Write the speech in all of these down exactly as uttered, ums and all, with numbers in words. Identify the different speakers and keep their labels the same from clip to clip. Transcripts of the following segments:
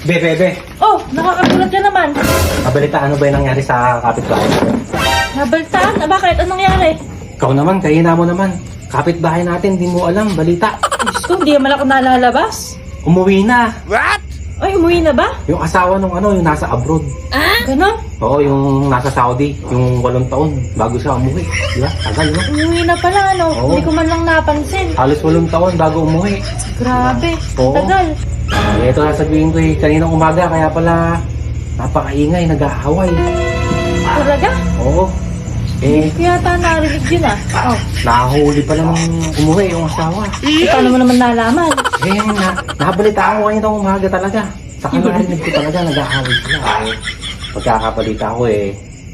Speaker 1: Be, be, be.
Speaker 2: Oh, nakakagulat ka naman.
Speaker 1: Mabalita, ano ba yung nangyari sa kapitbahay?
Speaker 2: Nabaltaan? Ah, bakit? Anong nangyari?
Speaker 1: Ikaw naman, kahina mo naman. Kapitbahay natin, di mo alam, balita.
Speaker 2: Diyos ko, hindi naman ako nalalabas.
Speaker 1: Umuwi na.
Speaker 2: Ay, umuwi na ba?
Speaker 1: Yung asawa nung ano, yung nasa abroad.
Speaker 2: Ganon?
Speaker 1: Oo, yung nasa Saudi, yung walong taon, bago siya umuwi. Di ba? Tagal, no?
Speaker 2: Umuwi na pala, ano?
Speaker 1: Oo.
Speaker 2: Hindi ko man lang napansin.
Speaker 1: Halos walong taon bago umuwi.
Speaker 2: Grabe,
Speaker 1: Oo.
Speaker 2: tagal.
Speaker 1: Eh, ito sasabihin ko eh, kaninang umaga, kaya pala napakaingay, nag-aaway.
Speaker 2: Talaga?
Speaker 1: Oo. Eh,
Speaker 2: Kaya yata narinig yun ah. Oh,
Speaker 1: nahuli pala nung umuwi yung asawa.
Speaker 2: eh, paano mo naman nalaman?
Speaker 1: Eh, na, nabalitaan ko kaninang umaga talaga. Saka narinig ko talaga, nag-aaway sila. Eh, pagkakabalita ko eh,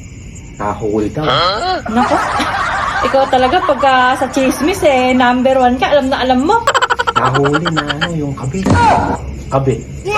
Speaker 1: nahuli daw.
Speaker 2: Nako, ikaw talaga pagka sa chismis eh, number one ka, alam na alam mo.
Speaker 1: Nahuli na ano, yung kabit. Kabit.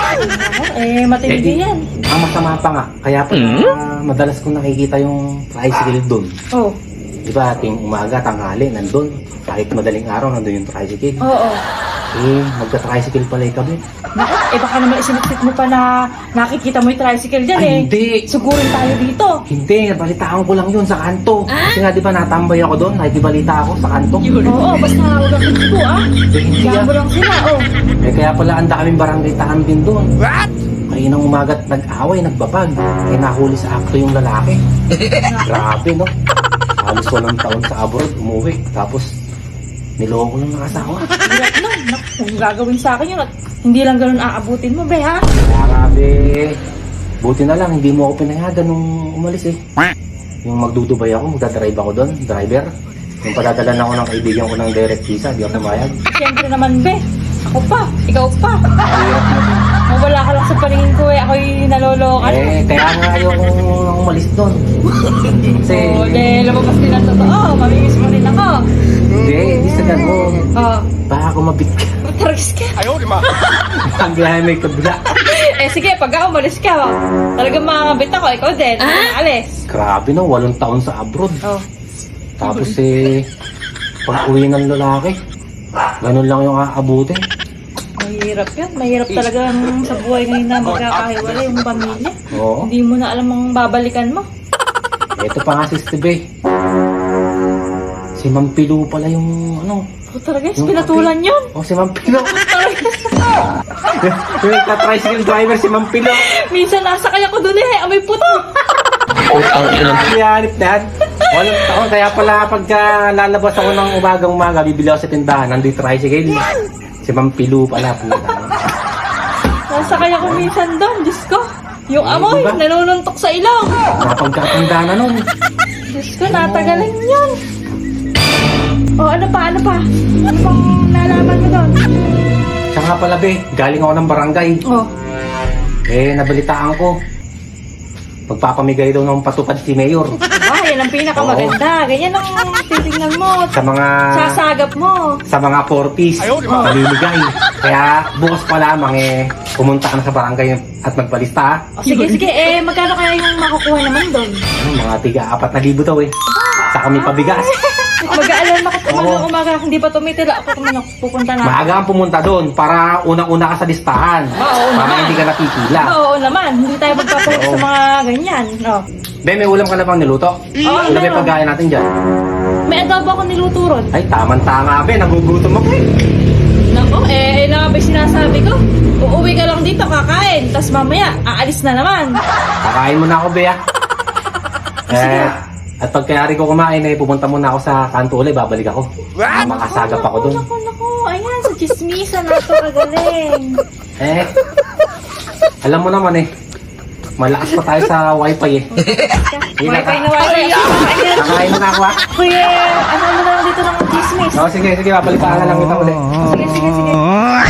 Speaker 2: Eh, matindi yan.
Speaker 1: Ang masama pa nga, kaya pa madalas kong nakikita yung tricycle doon.
Speaker 2: Oh,
Speaker 1: Diba, ating umaga, tanghali, nandun. Kahit madaling araw, nandun yung tricycle.
Speaker 2: oo.
Speaker 1: Eh, magka-tricycle pala yung kabit.
Speaker 2: Nako, eh baka naman isinipsip mo pa na nakikita mo yung tricycle dyan
Speaker 1: Ay,
Speaker 2: eh.
Speaker 1: hindi.
Speaker 2: Sugurin tayo dito.
Speaker 1: Hindi, balitaan ko lang yun sa kanto. Kasi nga, di ba, natambay ako doon, nakikibalita ako sa kanto.
Speaker 2: Oo, basta huwag kang ko ah.
Speaker 1: Eh, hindi
Speaker 2: Diyan
Speaker 1: ah.
Speaker 2: mo lang sila, oh.
Speaker 1: Eh, kaya pala, ang daming barangay taan din doon. What? Kaya nang umagat nag-away, nagbabag. Eh, nahuli sa akto yung lalaki. Grabe, no? Halos walang taon sa abroad, umuwi. Tapos, niloko lang ng asawa.
Speaker 2: Hirap na. Naku, kung gagawin sa akin yun at hindi lang ganun aabutin mo, be, ha?
Speaker 1: Grabe. Buti na lang, hindi mo ako pinayagan nung umalis eh. Yung magdudubay ako, magdadrive ako doon, driver. Yung padadalan ako ng kaibigan ko ng direct visa, di ako pumayag.
Speaker 2: Siyempre naman, be. Ako pa. Ikaw pa.
Speaker 1: Hirap na din.
Speaker 2: Mawala ka lang sa paningin ko eh. Ako'y nalolokan.
Speaker 1: Eh, kaya nga ayoko umalis doon. Kasi,
Speaker 2: Oo, de, lumabas din ang totoo. Mamimiss mo rin ako.
Speaker 1: hindi, hindi sa ganun.
Speaker 2: Oo.
Speaker 1: Baka ako mabit ka.
Speaker 2: Taragis ka.
Speaker 1: Ang biyahe may kabila.
Speaker 2: Eh, sige, pag ako umalis ka, oh. Talagang makakabit ako. Ikaw din. Ah? Alis.
Speaker 1: Grabe no, walong taon sa abroad.
Speaker 2: Oh.
Speaker 1: Tapos eh, pag uwi ng lalaki, ganun lang yung aabutin.
Speaker 2: Mahirap yan. Mahirap talaga sa buhay ngayon na magkakahiwalay yung pamilya.
Speaker 1: Oo.
Speaker 2: Hindi mo na alam ang babalikan mo.
Speaker 1: Ito pa nga si Steve. Si Ma'am Pilu pala yung ano.
Speaker 2: Oh, talaga,
Speaker 1: Yung
Speaker 2: pinatulan yun.
Speaker 1: Oh, si Ma'am Pilu. Yung nagka-tricycle driver si Ma'am Pilu.
Speaker 2: Minsan nasa kaya ko dun eh. Amoy puto.
Speaker 1: Iyanip na yan. Walang taon. Kaya pala pagka lalabas ako ng umagang-umaga, bibili ako sa tindahan. Nandun yung tricycle. Si Ma'am Pilu pala. Puta.
Speaker 2: Nasa kaya ko minsan doon. Diyos ko. Yung
Speaker 1: Eh,
Speaker 2: amoy,
Speaker 1: diba?
Speaker 2: nanununtok sa ilong.
Speaker 1: Napagkatanda na nun.
Speaker 2: Diyos ko, natagalan yun. O, ano pa, ano pa? Ano pang nalaman mo doon?
Speaker 1: Siya nga pala be, galing ako ng barangay.
Speaker 2: Oh,
Speaker 1: Eh, nabalitaan ko. Magpapamigay daw ng patupad si Mayor.
Speaker 2: diba? Yan ang pinakamaganda. Ganyan ang titignan mo.
Speaker 1: Sa mga
Speaker 2: Sasagap mo.
Speaker 1: sa mga forties, malimigay. Kaya bukas pa lamang eh, pumunta ka na sa barangay at magpalista ha.
Speaker 2: O, sige, sige. Eh, magkano kaya yung makukuha naman doon?
Speaker 1: Ano, mga tiga apat na libo daw eh. Sa kami pabigas.
Speaker 2: Mag-aalan ako
Speaker 1: Oo.
Speaker 2: umaga, umaga. Hindi pa tumitira. Ako naman pupunta na.
Speaker 1: Maaga kang pumunta doon para unang-una ka sa listahan.
Speaker 2: Oo
Speaker 1: para
Speaker 2: naman.
Speaker 1: hindi ka napipila.
Speaker 2: Oo naman. Hindi tayo magpapalit
Speaker 1: Oo.
Speaker 2: sa mga ganyan. Oh.
Speaker 1: Be, may ulam ka na bang niluto?
Speaker 2: Oo,
Speaker 1: Ano ba
Speaker 2: meron.
Speaker 1: pagkain natin dyan?
Speaker 2: May adobo ako niluto ron.
Speaker 1: Ay, tamang-tama be, nagugutom ako eh.
Speaker 2: Nako, eh, na nga ba yung sinasabi ko? Uuwi ka lang dito, kakain. Tapos mamaya, aalis na naman.
Speaker 1: Kakain mo na ako, Bea. Eh, at pagkayari ko kumain, eh, pupunta muna ako sa kanto ulit, babalik ako. What? Makasagap ako doon.
Speaker 2: Nako, nako, ayan, sa chismisa na ito kagaling.
Speaker 1: Eh, alam mo naman eh, malakas pa tayo sa wifi eh.
Speaker 2: Wifi na wifi. Ayan.
Speaker 1: Kakain mo na ako ha.
Speaker 2: Kuya, ano mo na lang dito ng chismis?
Speaker 1: Oo, sige, sige, babalitaan na lang kita ulit.
Speaker 2: Sige, sige, sige.